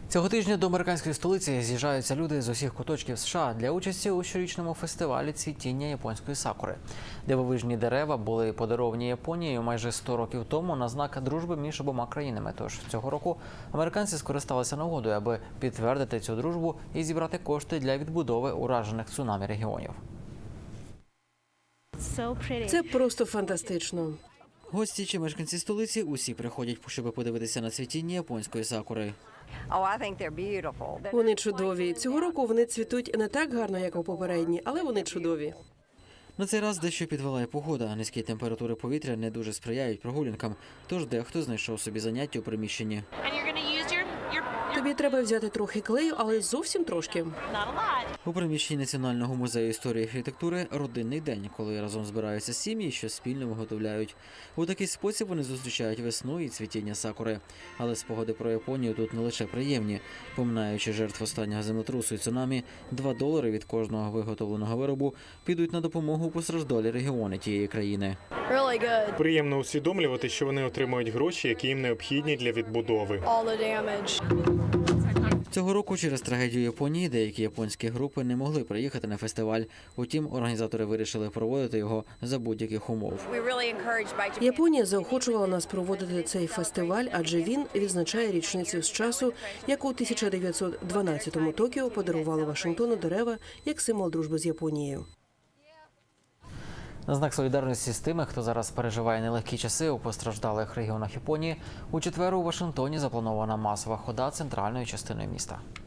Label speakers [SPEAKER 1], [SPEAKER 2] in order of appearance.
[SPEAKER 1] Цього тижня до американської столиці з'їжджаються люди з усіх куточків США для участі у щорічному фестивалі цвітіння японської сакури. Дивовижні дерева були подаровані Японією майже 100 років тому на знак дружби між обома країнами. Тож цього року американці скористалися нагодою, аби підтвердити цю дружбу і зібрати кошти для відбудови уражених цунамі регіонів.
[SPEAKER 2] Це просто фантастично.
[SPEAKER 1] Гості чи мешканці столиці усі приходять, щоб подивитися на цвітіння японської сакури.
[SPEAKER 2] Вони чудові. Цього року вони цвітуть не так гарно, як у попередні, але вони чудові.
[SPEAKER 1] На цей раз дещо підвела і погода. Низькі температури повітря не дуже сприяють прогулянкам, тож дехто знайшов собі заняття у приміщенні.
[SPEAKER 2] Тобі треба взяти трохи клею, але зовсім трошки.
[SPEAKER 1] У приміщенні Національного музею історії і архітектури родинний день, коли разом збираються сім'ї, що спільно виготовляють. У такий спосіб вони зустрічають весну і цвітіння сакури. Але спогади про Японію тут не лише приємні. Поминаючи жертв останнього землетрусу і цунамі, $2 від кожного виготовленого виробу підуть на допомогу у постраждалі регіони тієї країни.
[SPEAKER 3] Приємно усвідомлювати, що вони отримують гроші, які їм необхідні для відбудови.
[SPEAKER 1] Цього року через трагедію Японії деякі японські групи не могли приїхати на фестиваль. Утім, організатори вирішили проводити його за будь-яких умов.
[SPEAKER 2] Японія заохочувала нас проводити цей фестиваль, адже він відзначає річницю з часу, як у 1912-му Токіо подарували Вашингтону дерева як символ дружби з Японією.
[SPEAKER 1] На знак солідарності з тими, хто зараз переживає нелегкі часи у постраждалих регіонах Японії, у четвер у Вашингтоні запланована масова хода центральною частиною міста.